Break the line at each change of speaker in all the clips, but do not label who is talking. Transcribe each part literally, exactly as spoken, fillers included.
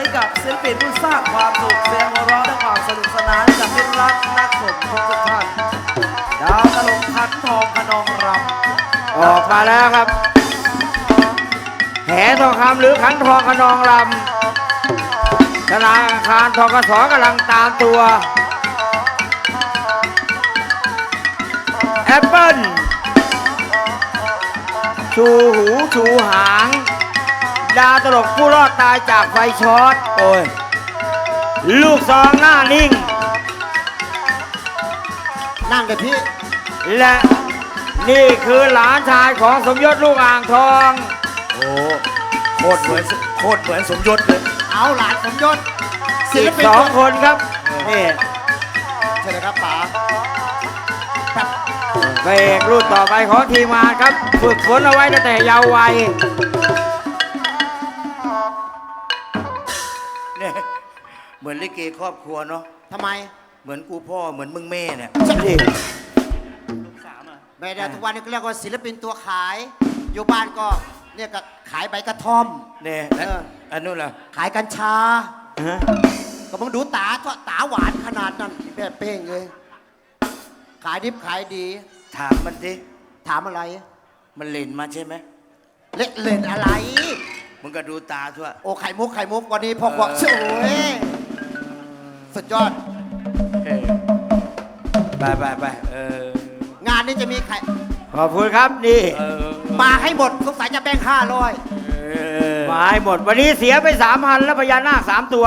กับศิลปินผู้สร้างความสุขเสียงหัวเราะและความสนุกสนานให้กับมิตรรักนักชมทุกท่านดาวตลกขันทองขนองรำ
ออกมาแล้วครับแหทองคำหรือขันทองขนองลำธนาคารทกสกำลังตามตัวแอปเปิ้ลชูหูชูหางดาวตลกผู้รอดตายจากไฟช็อตโอ้ยลูกซองหน้านิ่ง
นั่งกับพี่
และนี่คือหลานชายของสมยศลูกอ่างทอง
โอ้โคตรเหมือนโคตรเหมือนสมยศเลย
เอาหลานสมยศศิ
อี
ล
ก
ปิน
สองคนครับนี่
ใช่เลยครับป๋า
พระเอกรุ่นต่อไปของทีมงานครับฝึกฝนเอาไว้ตั้งแต่เยาว์วัย
เนี่ยเหมือนลิเกครอบครัวเนาะ
ทำไม
เหมือนกูพ่อเหมือนมึงแม่เนี่ย
นี่
ไม่ได้ทุกวันนี้ก็เรียกว่าศิลปินตัวขาย อยู่บ้านก็เนี่ยก็ขายใบกระท่อม
เนี่ย
เออ
อันนู้นล่ะ
ขายกัญชา
ฮะ
ก็มึงดูตาทอดตาหวานขนาดนั้นแบบเป้งเลย ขายดิบขายดี
ถามมันสิ
ถามอะไร
มันเล่นมาใช่ไหม
เล่นเล่นอะไร
มึงก็ดูตาทั่ว
โอ้ไข่มุกไข่มุกวันนี้พ่อขวบ
เออ
สวยสุดยอด
เออไปไปไปเออง
านนี้จะมีไข่
ขอบคุณครับนี่
เออ
มาให้หมดสงสัยจะแบ่งห้าร้อย
เออ
มาให้หมดวันนี้เสียไปสามพันแล้วพญานาคสามตัว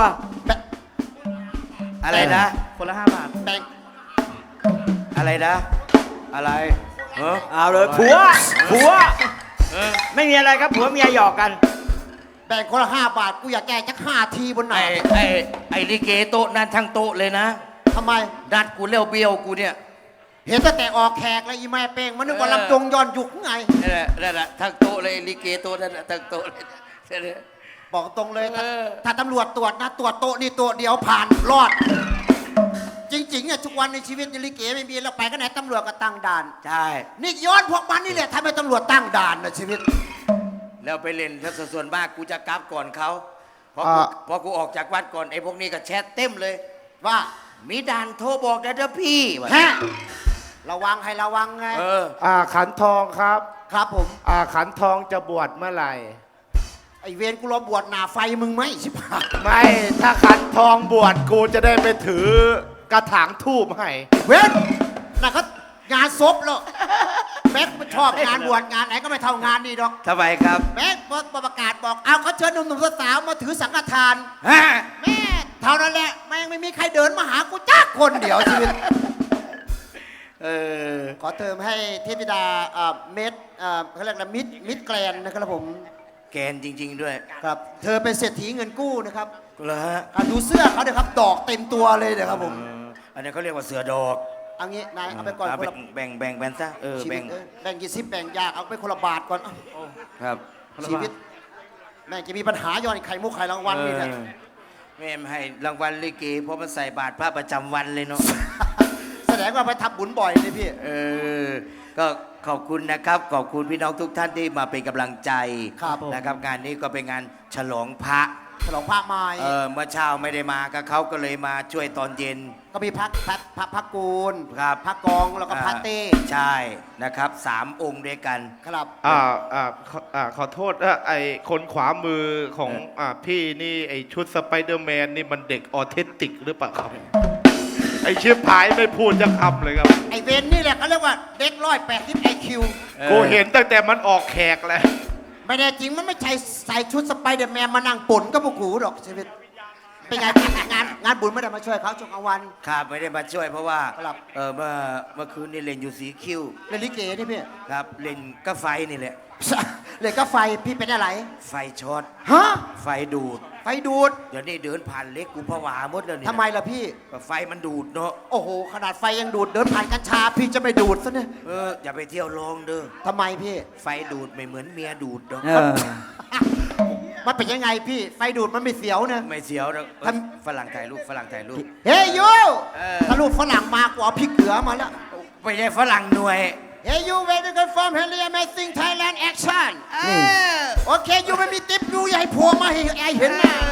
อะไรนะ
คนละห้าบาทแบ่ง
อะไรนะ อะไรเออ
เอาเลยผัวผัว
เออ
ไม่มีอะไรครับผัวเมียหยอกกัน
แบ่งคนละห้าบาทกูอยากแก้จักห้าทีบนไหน
ไอ้ไอ้ไอ้ลิเกโต๊ะนั่นทั้งโต๊ะเลยนะ
ทำไม
ดัดกูเลี้ยวเบี้ยวกูเนี่ย
เห็นตั้งแต่ออกแขกแล้วอีแม่เป้งมันนึกว่า
เออ
ลำจงย้อนยุคไง
นั่นแหละนั่นแหละทั้งโต๊ะเลยลิเกโต๊ะนั่นแหละทั้งโต๊ะเลยนั่นแหละ
บอกตรงเลยถ้า
เออ
ถ้าตำรวจตรวจนะตรวจโต๊ะนี่โต๊ะเดียวผ่านรอด จริงๆเนี่ยทุกวันในชีวิตในลิเกไม่มีแล้วไปก็ไหนตำรวจก็ตั้งด่าน
ใช่
นี่ย้อนพวกมันนี่แหละทำให้ตำรวจตั้งด่านนะชีวิต
แล้วไปเล่นถ้าส่วนมากกูจะกลับก่อนเขาพอกู
อ่า
พอกูออกจากวัดก่อนไอ้พวกนี้ก็แชทเต็มเลย
ว่า
มีด่านโทรบอกนะเด้อพี่ว่ะ
ฮะระวังให้ระวังไง
เออ
อ่าขันทองครับ
ครับผม
อ่าขันทองจะบวชเมื่อไหร่
ไอเวรกูรอบวชหนาไฟมึงไหมชิบหาย
ไม่ถ้าขันทองบวชกูจะได้ไปถือกระถางทูบให้
เวรน่ะก็งานศพแล้วแม็กชอบงานบวชงานไหนก็ไม่เท่างานนี่ดอก
ทำไมครับ
แม็กประกาศบอกเอาเขาเชิญหนุ่มๆสาวๆมาถือสังฆทาน
ฮะ
แม่เท่านั้นแหละแม่งไม่มีใครเดินมาหากูจ้าคนเดียวชีวิต
เออ
ขอเติมให้เทพธิดาเอ่อเม็ดเอ่อเขาเรียกอะไรมิดมิดแกลนนะครับผม
แกนจริง ๆ ด้วย
ครับ เธอเป็นเศรษฐีเงินกู้นะครับ
เหรอฮะ
อ่ะดูเสื้อเขาเดี๋ยวครับดอกเต็มตัวเลยเดี๋ยวครับผม
เอออันนี้เขาเรียกว่าเสือดอก
เอางี้นายเอาไปก่อน
เอา
คน
แบ่
ละ
งแบ่งแบ่งแบ่งซะเออ
ชีวิ
แบ่
ต
ง
เอ้ยแบ่งกี่ซิปแบ่งยากเอาไปคนละบาทก่อน
ครับ
ชีวิตแม่งจะมีปัญหาย้อนไข่มุกไข่รางวัลนี่แหละ
เออแม่ไม่ให้รางวัลลิเกเพราะมันใส่บาตรพระประจำวันเลยเนาะ
แสดงว่าไปทำบุญบ่อยเลยพี่
เออ ก็ขอบคุณนะครับ ขอบคุณพี่น้องทุกท่านที่มาเป็นกำลังใจ
ครับผม
นะครับ งานนี้ก็เป็นงานฉลองพระ
ฉลองพระไม้
เออเมื่อเช้าไม่ได้มาก็เขาก็เลยมาช่วยตอนเย็น
ก็มีพระพระพระพระกูล
ครับ
พระกองแล้วก็พระเต้
ใช่นะครับสามองค์ด้วยกัน
ครับ
อ่าอ่าขออ่าขอโทษนะไอคนขวามือของ
เอออ่
อ่าพี่นี่ไอชุดสไปเดอร์แมนนี่มันเด็กออทิสติกหรือเปล่าครับ ไอเชื่อพายไม่พูดจะคำเลยครับ
ไอเวนนี่แหละเขาเรียกว่าเด็กร้อยแปดสิบไอคิว
กูเห็นตั้งแต่มันออกแขกแล้ว
ไม่แน่จริงมันไม่ใช่ใส่ชุดสไปเดอร์แมนมานั่งป่นก็พวกกูหรอกชีวิตเป็นไงพี่งานงานบุญไม่ได้มาช่วยเขาช่วงกลางวัน
ครับไม่ได้มาช่วยเพราะว่า
ครับ
เออเมื่อเมื่อคืนนี่เล่นอยู่สีคิ้ว
เล่นลิเกนี่พี่
ครับเล่นก็ไฟนี่แหละ
เลยก็ไฟพี่เป็นอะไร
ไฟช็อต
ฮะ
ไฟดูด
ไฟดูด
เดี๋ยวนี้เดินผ่านเล็กกูผวาหมดแล้วเนี่ย
ทำไมล่ะพี่
ก็ไฟมันดูดเนาะ
โอ้โหขนาดไฟยังดูดเดินผ่านกัญชาพี่จะไม่ดูดซะเนี่ย
เอออย่าไปเที่ยวลองเด้อ
ทำไมพี่
ไฟดูดไม่เหมือนเมียดูดเนาะ
เออ
มันเป็นยังไงพี่ไฟดูดมันไม่เสียวเนี่ย
ไม่เสียวหรอกเออ
ทำ
ฝรั่งถ่ายรูปฝรั่งถ่ายรูป
เฮ้ยยู
เออ
ถ้าลูกฝรั่งมากกว่าพริกเกลือมาแล้ว
ไม่ใช่ฝรั่งหน่วย
เฮ้ยยูเวทีกันฟอร์มเฮลียแมสซิ่งไทยแลนด์แอคชั่น
เออ
โอเคยูไม่มีติ๊บยูอย่าให้ผัวมาให้ไอเห็นหน้า
พ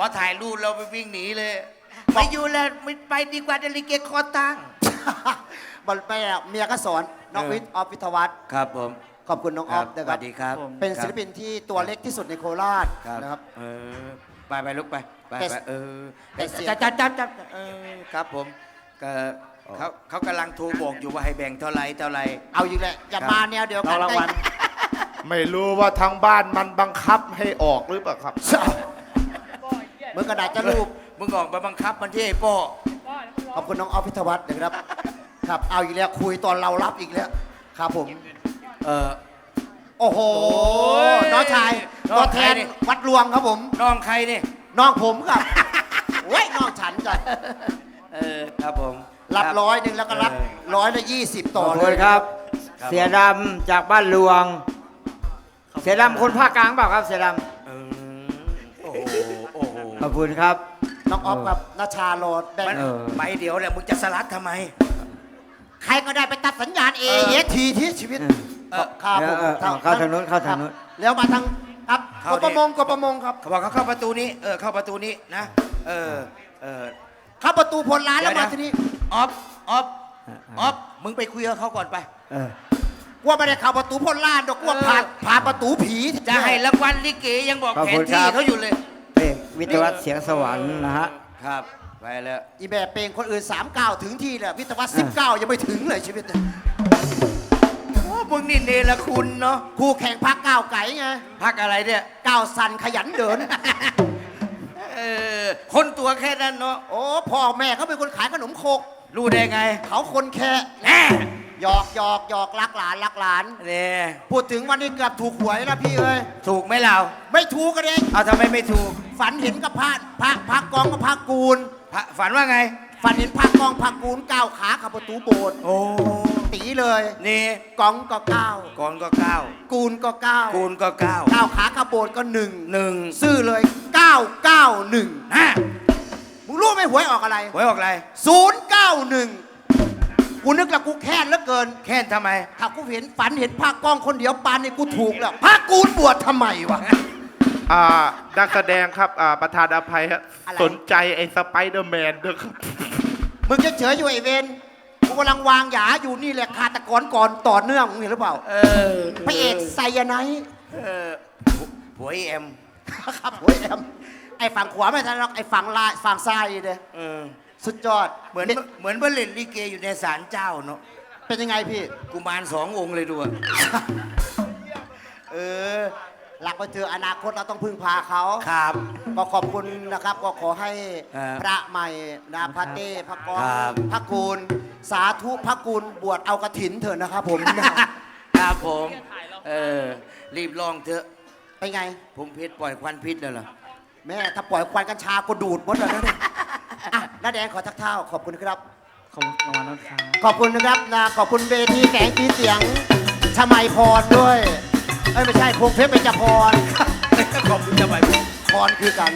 อถ่ายรูปเราไปวิ่งหนีเลยไม่อยู่แล้วไม่ไปดีกว่าเดลิเกคอตั้ง
บอลแม่เมียก็สอนน้อง
เออ
วิทย์ออฟวิทยาวัฒน์
ครับผม
ขอบคุณน้องออฟนะ
ส
ครั
วั
บ
สดีครับ
เป็นศิลปินที่ตัวเล็กที่สุดในโคราช
ครับ
นะครับ
เออไปไปลุกไปไป
แต่
ไปเออ
แต่เสียง
จับจับจับจับเออครับผมก็เขาเขากำลังโทรบอกอยู่ว่าให้แบ่งเท่าไรเท่าไร
เอาอีกแล้วอย่า
ครับ
มาแนวเดียวกัน
รางวัล
ไม่รู้ว่าทางบ้านมันบังคับให้ออกหรือเปล่าครับ
เมื่อกระดาษจะรูป
มึงออกมาบังคับมันที่ไอ้โป้
ขอบคุณน้องออฟพิทยาวัฒน์นะครับ ครับ เอาอีกแล้วคุยตอนเรารับอีกแล้ว ครับผม
เออ
โอ้โห
ย
น้องชาย
น้อง
ตัวแทน
ใครนี่
วัดรวงครับผม
น้องใครนี่
น้องผมครับ โอ้ยน้องฉันจ้ะ
เออครับผม
รับร้อยหนึ่งแล้วก็รับ
เออ
ร้อยละยี่สิบ
ข
ต่อ
อบ
เล
คุณ
ย
ครับ
เสียดำจากบ้านหลวง เสียดำคนภาคกลางเปล่าครับ เสียด
เออโอ้โหโอ้โห
ำขอบคุณครับ
น้องออฟกับนาชาโรดแบ่ง
มัน
เออ
ไปเดี๋ยวแหละมึงจะสลัดทำไม
ใครก็ได้ไปตัดสัญญาณเอ
เออ
เอทีที่ชีวิต
เออ
ครับผม
เออเออเข้าทางนู้นเข้าทางนู้น
ครับแล้วมาทางครับ
เข้าก ดิ
ประมงกประมงครับ
เขาบอกเขาเข้าประตูนี้เออเข้าประตูนี้นะเออเออ
เข้าประตูพลร้านแล้ว
เดี๋
มา
ยวนะ
ที่นี่
ออฟออฟออฟมึงไปคุยกับเขาก่อนไป
เออ
ว่าไม่ได้เข้าประตูพลร้านดอกว่า
เออ
ผ่านผ่านประตูผี
จะให้รางวัลลิเกยังบอก
ขอบ
แผ
คุ
น
ณครั
ที่
บ
เขาอยู่เลย
เพลงวิทยาวัฒน์เสียงสวรรค์นะฮะ
ครับไปแล้ว
อีแบบเพลงคนอื่นสามเก้าถึงที่แหละวิทยาวัฒน์สิบเก้ายังไม่ถึงเลยชีวิตเนี่ย
โอ้มึงนี่เนรคุณเนาะ
คู่แข่งพักก้าวไก่ไง
พักอะไรเนี่ย
ก้าวสันขยันเดิน
เออคนตัวแค่นั้นเนาะ
โอ้พ่อแม่เขาเป็นคนขายขนมโคก
รู้ได้ไง
เขาคนแค่
แน่
หยอกหยอกหยอกรักหลานรักหลาน
เนี่ย
พูดถึงวันนี้เกือบถูกหวยแล้วพี่เอ้ย
ถูกไหมเรา
ไม่ถูกกันเอง
เอาทำไมไม่ถูก
ฝันเห็นกับพระพระพระกองกับพระกูล
พระฝันว่าไง
ฝันเห็นพระกองพระกูลก้าวขาขับประตูโบสถ์
โอ้
ตีเลย
นี่
กองก็ก้าว
ก่อนก็เก้า
กูลก็ก้าว
กูนก็เก้า
ก้าวขาขับโบสถ์ก็หนึ่ง
หนึ่ง
ซื่อเลยเก้าเก้าหนึ่ง
ฮะ
มึงรู้ไหมหวยออกอะไร
หวยออกอะไร
ศูนย์เก้าหนึ่งกูนึกแล้วกูแค้นเหลือเกิน
แค่นทำไม
ถ้ากูเห็นฝันเห็นพระกองคนเดียวปานนี่กูถูกแล้วพระกูลบวชทำไมวะ
อ่านักแสดงครับอ่าประธานอภัยฮะ
อะไร
สนใจไอ้สไปเดอร์แมนด้วยครับ
มึงจะเฉยอยู่ไอเวนกูกำลังวางหยาอยู่นี่แหละฆาตกรก่อนต่อเนื่องมึงเห็นหรือเปล่า
เออ
พระเอกไซยาไนท์
เออผัวไอเอ็ม
ครับโอ้ยแอมไอฝั่งขวาไม่ทันหรอกไอฝั่งลายฝั่งซ้ายเด้
เออ
สุดยอด
เหมือนเหมือนเบลเลนลิเกอยู่ในศาลเจ้าเนาะ
เป็นยังไงพี่
กุมารสององค์เลยดูอะ
เออหลักไปเจออนาคตเราต้องพึ่งพาเขา
ครับ
ก็ขอบคุณนะครับ ก็ขอให้
ครับ
พระใหม่นาพระเต้พระกอง
ครับ
พระกูล สาธุพระกูลบวชเอากระถินเถอะนะครับผม
ครับผม เออ รีบลองเถอะ
เป็นไง
ผมพิษปล่อยควันพิษแล้วเหรอ
แม่ถ้าปล่อยควันกัญชาก็ดูดหมดแล้วนะเนี่ยอ่ะน้าแดงขอทักเท้าขอบคุณครับ
ขอบคุณรางวัลนะครับ
ขอบคุณนะครับนะขอบคุณเวทีแสงสีเสียงชมัยพรด้วย เอ้ยไม่ใช่พงเพชรเป็นจพร
ขอบคุณจะไป
พรคือกัน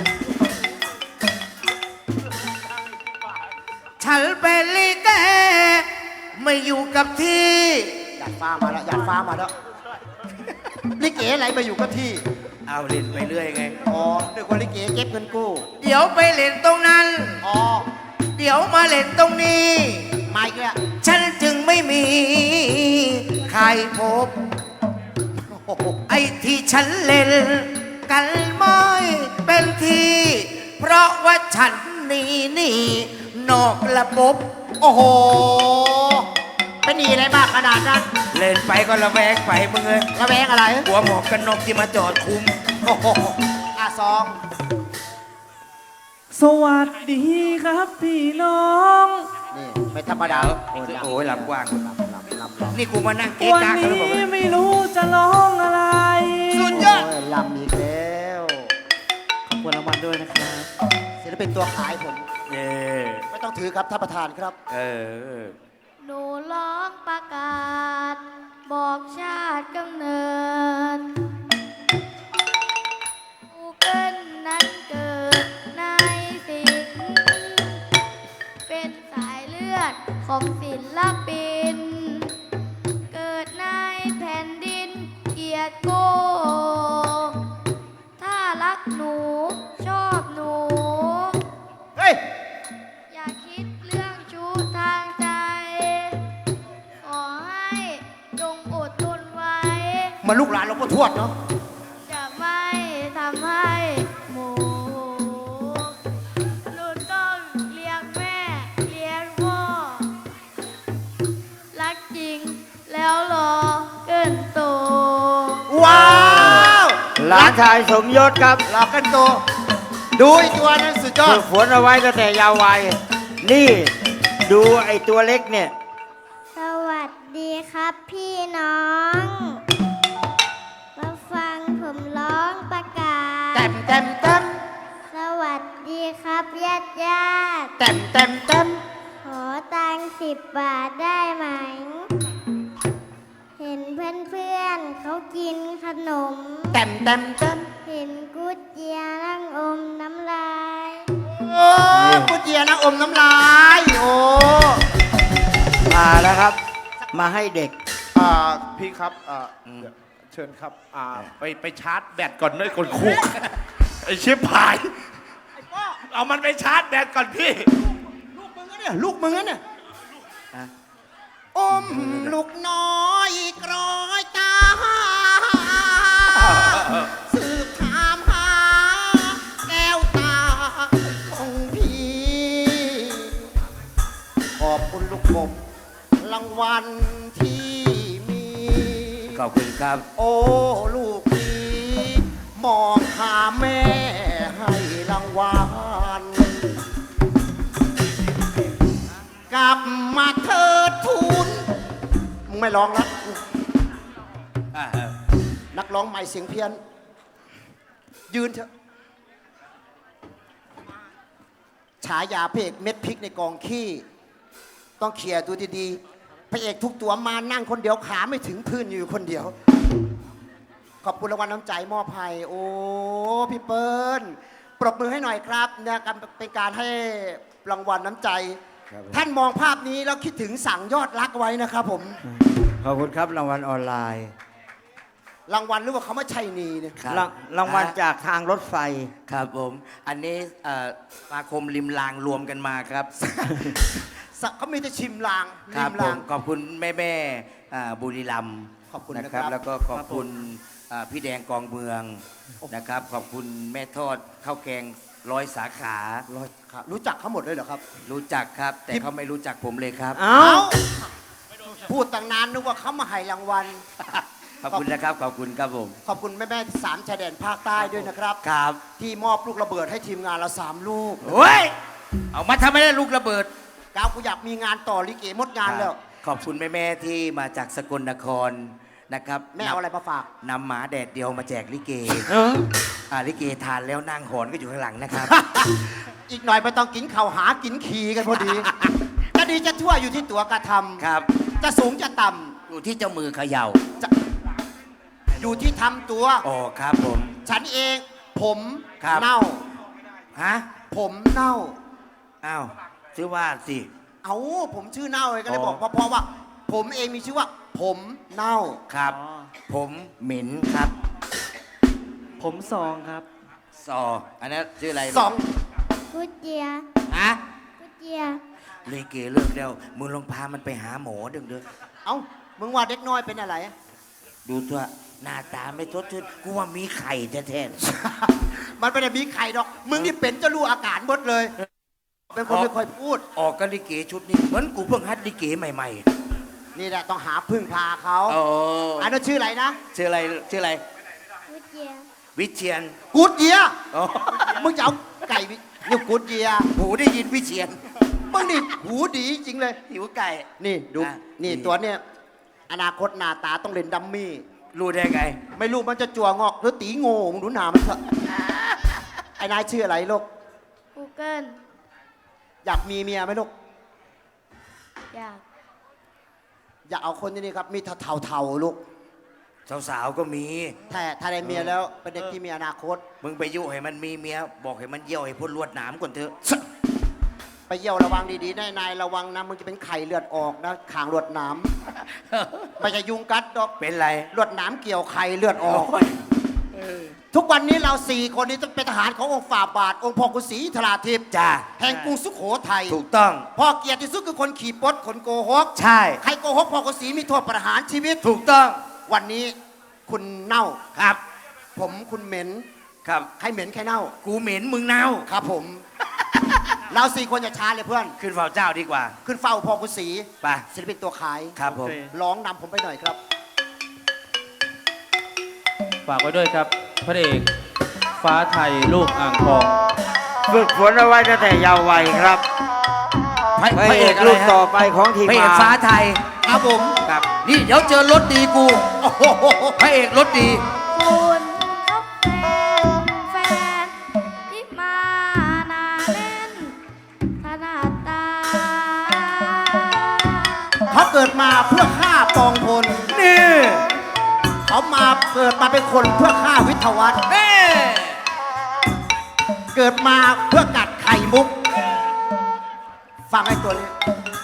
ฉันเป็นลิเกไม่อยู่กับที่
หยาดฟ้ามาแล้วหยาดฟ้ามาแล้วลิเกอะไรมาอยู่กับที่
เอาเล่นไปเรื่อยไง
อ๋อนึกว่าลิเกเก็บเงินกู้
เดี๋ยวไปเล่นตรงนั้น
อ๋อ
เดี๋ยวมาเล่นตรงนี้
มาอีกแล้ว
ฉันจึงไม่มีใครพบ
โอ้โห
ไอ้ที่ฉันเล่นกันไม่เป็นทีเพราะว่าฉันหนี่นี่นอกระบบ
โอ้โหเป็นหนีอะไรมากขนาดนั้น
เล่นไปก็ระแวงไปมึงเลย
ระแวงอะไร
หัวหมอกกันนกที่มาจอดคุม
โอ้โหอ่ะซอง
สวัสดีครับพี่น้อง
นี่ไม่ธรรมดา
โอ้ยลำกว้าง
ลำลำลำ
นี่กูมานั่งเก๊ก
วัน
กากันหรือเปล่า
นี้ไม่รู้จะร้องอะไร
สุดยอด
โอ้ยลำอีกแล้ว
ขอบคุณรางวัลด้วยนะครับ
ศิลปินตัวขายผม
เออ
ไม่ต้องถือครับท่านประธานครับ
เออ
หนูร้องประกาศ บอกชาติกำเนิดกูเกิลนั้นเกิดในสิงเป็นสายเลือดของศิลปิน เกิดในแผ่นดินเกียรติโก ถ้ารักหนูชอบหนู
เหมือนลูกหลานหลวงพ่อทวดเนาะ
จะไม่ทำให้หมูหนูต้องเลี้ยงแม่เลี้ยงพ่อรักจริงแล้วรอเกินโต
ว้าว
หลานชายสมยศครับ
หลอกกันโตดูไอ้ตัวนั้นสุดยอ
ฝึ
ด
กฝนเอาไว้ตั้งแต่เยาว์วัยนี่ดูไอ้ตัวเล็กเนี่ย
สวัสดีครับพี่น้อง มาฟังผมร้องประกาศ
เต็มเต็มเต็ม
สวัสดีครับญาติญาติ
เต็มเต็มเต็ม
ขอตังค์สิบบาทได้ไหม เห็นเพื่อนเพื่อนๆเขากินขนม
เต็มเต็มเต็ม
เห็นกุดเจียนั่งอมน้ำลาย
โอ้พุทเจียนะอมน้ำลาย โอ้
มาแล้วครับ มาให้เด็ก
อ่าพี่ครับอ่าเชิญครับอ่าไปไปชาร์จแบตก่อนด้วยคนคุก ไอชิบหาย เอามันไปชาร์จแบตก่อนพี่
ลูกมึงอะเนี่ยลูกมึงอะเนี่ย
อ่ะ
อมลูกน้อยกรอยตาสืบถามหาแก้วตาของพี่ ขอบคุณลูกกบรางวัลที่มี
ขอบคุณครับ
โอ้ลูกพี่มองหาแม่ให้รางวัลกลับมาเถิดทูลมึงไม่ร้องแล้วนักร้องใหม่เสียงเพี้ยน ยืนเถอะฉายาพระเอกเม็ดพริกในกองขี้ต้องเคลียร์ดูดีๆพระเอกทุกตัวมานั่งคนเดียวขาไม่ถึงพื้นอยู่คนเดียว ขอบคุณรางวัลน้ำใจมอบให้โอ้พี่เปิ้ลปรบมือให้หน่อยครับเนี่ยการเป็นการให้รางวัลน้ำใจ
ครับผม
ท่านมองภาพนี้แล้วคิดถึงสั่งยอดรักไว้นะครับผม
ขอบคุณครับรางวัลออนไลน์
รางวัลหรือว่าเขาไม่ชัยนีเนี่ย
ครับ
รางรางวัลจากทางรถไฟ
ครับผม อันนี้เอ่อสมาคมริมรางรวมกันมาครับ
สักเขามีแต่ชิมลาง
ค
ริ
รับ
ม
ผ
ลาง
มขอบคุณแม่แม่ๆอ่าบุรีรัมย์
ขอบคุณ
นะ
นะ
ค
ครั
รับ
บ
แล้วก็ขอบคุณอ่าพี่แดงกองเมืองนะครับ ขอบคุณแม่ทอดข้าวแกงร้อยสาขา
ร้อยครับรู้จักเขาหมดเลยเหรอครับ
รู้จักครับ แต่เขาไม่รู้จักผมเลยครับ
เอ้า
พูดตั้งนานนึกว่าเขามาให้รางวัล
ขอบคุณนะครับ ขอบคุณครับผม
ขอบคุณแม่แม่ๆสามชายแดนภาคใต้ด้วยนะครับ
ครับ
ที่มอบลูกระเบิดให้ทีมงานเราสามลูก
โอ้ย เอามาทำไมได้ลูกระเบิด
ก้าวกูอยากมีงานต่อลิเกหมดงานแล้ว
ขอบคุณแม่ๆที่มาจากสกลนครนะครับ
แม่เอาอะไรมาฝาก
นำหมาแดดเดียวมาแจกลิเก
เออ
อ่าลิเกทานแล้วนั่งหอนก็อยู่ข้างหลังนะครับ
อีกหน่อยไม่ต้องกินข่าวหากินขี่กันพอดี จะดีจะทั่วอยู่ที่ตัวกระทำ
ครับ
จะสูงจะต่
อยู่ที่เจ้ามือเขย่า
ำจะอยู่ที่ทำตัว
อ๋อครับผม
ฉันเองผม
ครับ
เน่า
ฮะ
ผมเน่า
อ้าวชื่อว่าสิ
เอาผมชื่อเน่าเลยก็เลย
อ๋อ
บอกเพราะว่า ผมเองมีชื่อว่า ผมเน่า
ครับ ผมเหม็นครับ
ผมซองครับ
ซอ อันนั้นชื่ออะไร
สอง
กุดเจีย
ฮะ
กุดเจีย
ลิเกเลิกแล้วมึงลองพามันไปหาหมอเด้อเด้อ
เอ้ามึงว่าเด็กน้อยเป็นอะไร
ดูตัวหน้าตาไม่ทดชื่นกูว่ามีไข่แท้
มันไม่ได้มีไข่ดอก มึงนี่เป็นจะรู้อาการหมดเลย เป็นคนไม่ค่อยพูด
ๆออกกันลิเกชุดนี้เหมือนกูเพิ่งฮัดลิเกใหม่
นี่แหละต้องหาพึ่งพาเขา
ๆโอ้
อันนั้นชื่ออะไรนะ
ชื่ออะไรชื่ออะไร
กุดเจีย
วิเชียน
กูดเยีย
อ๋อ
มึงจะเอาไก่วินี่กูดเยีย
หูได้ยินวิเชียน
มึงนี่หูดีจริงเลย
หิวไก่
นี่ดู
อ่ะ
นี่
นี่
ตัวเนี่ยอนาคตหน้าตาต้องเล่นดัมมี่
รู้ได้ไง
ไม่รู้มันจะจั่วงอกหรือตีโง่มึงดูหนามันเถอะไอ้นายชื่ออะไรลูก
กูเกิล
อยากมีเมียไหมลูก
อยาก
อยากเอาคนที่นี่ครับ มีเทาๆลูก
สาวๆก็มี
ถ้าถ้าได้เมียแล้วเป็นเด็กที่มีอนาคต
มึงไปยุให้มันมีเมีย บอกให้มันเยี่ยวให้พ้นลวดหนามก่อนเถอะ
ไปเยี่ยวระวังดีๆนายนายระวังนะมึงจะเป็นไข่เลือดออกนะขางลวดหน้ำไม่ใช่ยุงกัดดอก
เป็นไร
ลวดหน้ำเกี่ยวไข่เลือดออก
โอ้ย
ทุกวันนี้เราสี่คนนี้ต้องเป็นทหารขององค์ฝ่าบาท องค์พ่อกุศรีธราทิพย์
จ้า
แห่งกรุงสุโขทัย
ถูกต้อง
พ่อเกียรติที่สุดคือคนขี่ปดคนโกหก
ใช่
ใครโกหกพ่อกุศรีมีโทษประหารชีวิต
ถูกต้อง
วันนี้คุณเน่า
ครับ
ผมคุณเหม็น
ครับ
ใครเหม็นใครเน่า
กูเหม็นมึงเน่า
ครับผม เราสี่คนอย่าช้าเลยเพื่อน
ขึ้นเฝ้าเจ้าดีกว่า
ขึ้นเฝ้าพอกุศรี
ไป
ศิลปินตัวขาย
ครับผม
ร้องนำผมไปหน่อยครับ
ฝากไว้ด้วยครับ พระเอกฟ้าไทยลูกอ่างทอง
ฝึกฝนเอาไว้ตั้งแต่เยาว์วัยครับ
พระ
พระ
พระ
เอ
เอก
ก
อะไร
ลูก
ฮะ
ต่อไปของทีม
พระเอก
งาน
ฟ้าไทย
ครับผม
ครับ นี่เดี๋ยวเจอรถดีกู
โอ้โห
พระเอกรถดี
คุณก็เป็นแฟนที่มานาเล่นขนาดตา
เขาเกิดมาเพื่อฆ่าปองพล
นี่
เขามาเกิดมาเป็นคนเพื่อฆ่าวิทยาวัฒน์
เอ้
เกิดมาเพื่อกัดไข่มุก ฟังไอ้ตัวนี้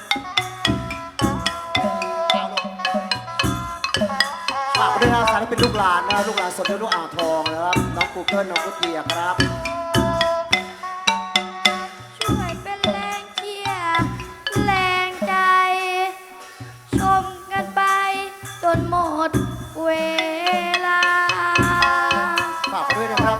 ฝากไปด้วยนะสารที่เป็นลูกหลานนะลูกหลานสดด้วยลูกอ่างทองนะครับน้องกูเกิลน้องกุ๊กเกียร์ครับ
ช่วยเป็นแรงเชียร์แรงใจ ชมกันไปจนหมดเวลา
ฝากไปด้วยนะครับ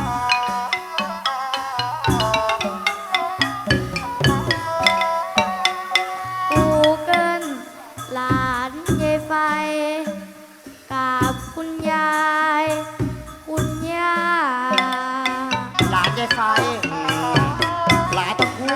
กูเกิลหลานยายไฟ กับคุณยาย คุณย่า
หลานยายไฟหลานตะคู่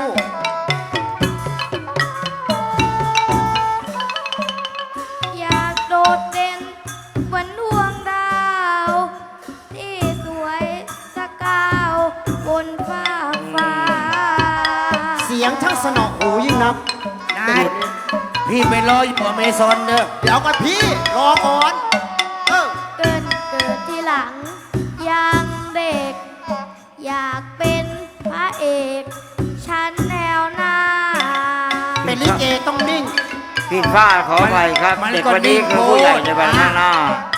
อยากโดดเด่นเหมือนดวงดาว ที่สวยสกาวบนฟ้าฟ้า
เสียงช่างสนอหูยิ่งนับ
นาย พี่ไปรออยู่อเมซอนเด้อ
เดี๋ยวก่อนพี่ รอก่อนเออ
เกินเกิดที่หลังยังเด็ก อยากเป็นพระเอกชั้นแนวหน้า
เป็นลิเกต้องนิ่ง
ผิดพลาดขออภัยครับ
มัน
เด็ก
ก็
คนนี้
นิ่ง
คือผู้ใหญ่ใน
โพด
วันข้างหน้า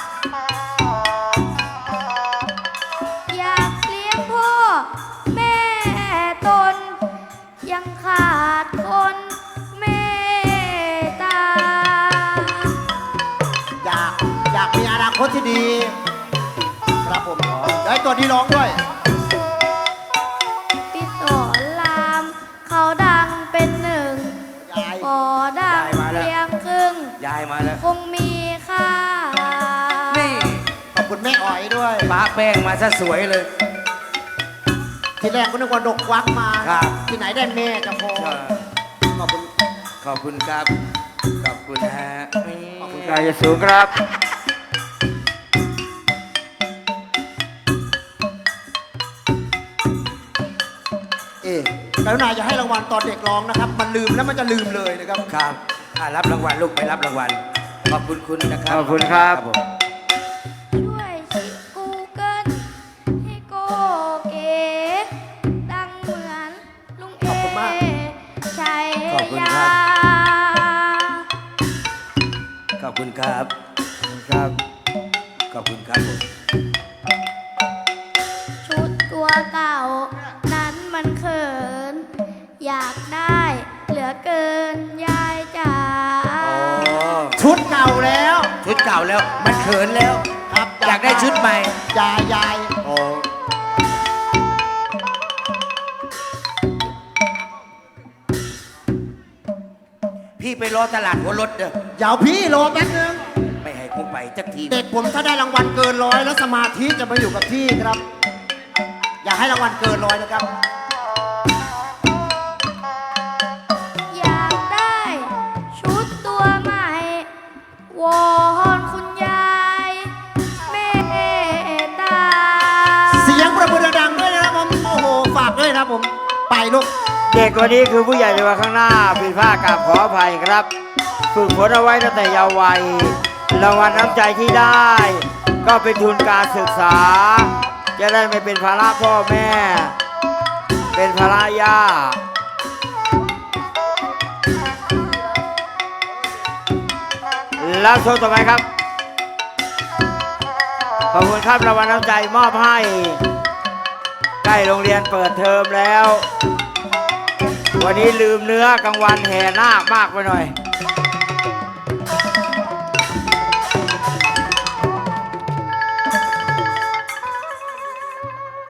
อยากเลี้ยงพ่อแม่ตน ยังขาดคนเมตตา
อยากอยากมีอนาคตที่ดี ครับผมได้ตัวที่ร้องด้วย
พี่สอนรามเขาดังเป็นหนึ่ง
ยาย
พอดัง
ยายมาแล้ว
เพียงครึ่ง
ยายมาแล้ว
คงมีค่า
นี่
ขอบคุณแม่อ๋อยด้วย
ป้าแป้งมาซะสวยเลย
ทีแรกก็นึกว่าดกวักมา
ครับ
ที่ไหนได้แม่จะพอขอบคุณ
ขอบคุณครับ ขอบคุณฮะนี่
กายสูงครับ
เอ๊ะกรุณาอย่าให้รางวัลตอนเด็กร้องนะครับ มันลืมแล้วมันจะลืมเลยนะครับ
ครับอ่ะรับรางวัลลูกไปรับรางวัล ขอบคุณคุณนะครับ
ขอบคุณครับ
ผม
ช่วยชิดกูเกิลให้โกเก๋ดังเหมือนลุงเอ
ขอบคุณมาก
ชัย
ขอบคุณ
ยา
ครับ ขอบคุณครับ
ครับ
ขอบคุณครับผม
ชุดตัวเก่า นั้นมันเขิน อยากได้เหลือเกินยายจ๋า
โอ้
ชุดเก่าแล้ว
ชุดเก่าแล้ว มันเขินแล้ว
ครับ
อยากได้ชุดใหม่
ยายยาย
โอ้พี่ไปรอตลาดหัวรถเด้อ
เดี๋ยวพี่รอแป๊บนึง
ไม่ให้กูไปจักที
เด็กผมถ้าได้รางวัลเกินร้อยแล้วสมาธิจะมาอยู่กับที่ครับ อย่าให้รางวัลเกินร้อยนะครับ
อยากได้ชุดตัวใหม่ วอนคุณยายเมตตา
เสียงประมือดังๆด้วยนะครับผมโอ้โหฝากด้วยนะครับผมไปลูก
เด็กคนนี้คือผู้ใหญ่ในวันข้างหน้าผิดพลาดกราบขออภัยครับ ฝึกฝนเอาไว้ตั้งแต่เยาว์วัยรางวัลน้ำใจที่ได้ ก็เป็นทุนการศึกษา จะได้ไม่เป็นภาระพ่อแม่ เป็นภาระย่า แล้วโชว์ต่อไปครับ ขอบคุณครับรางวัลน้ำใจมอบให้ ใกล้โรงเรียนเปิดเทอมแล้ว วันนี้ลืมเนื้อกลางวันแห่นาคมากไปหน่อย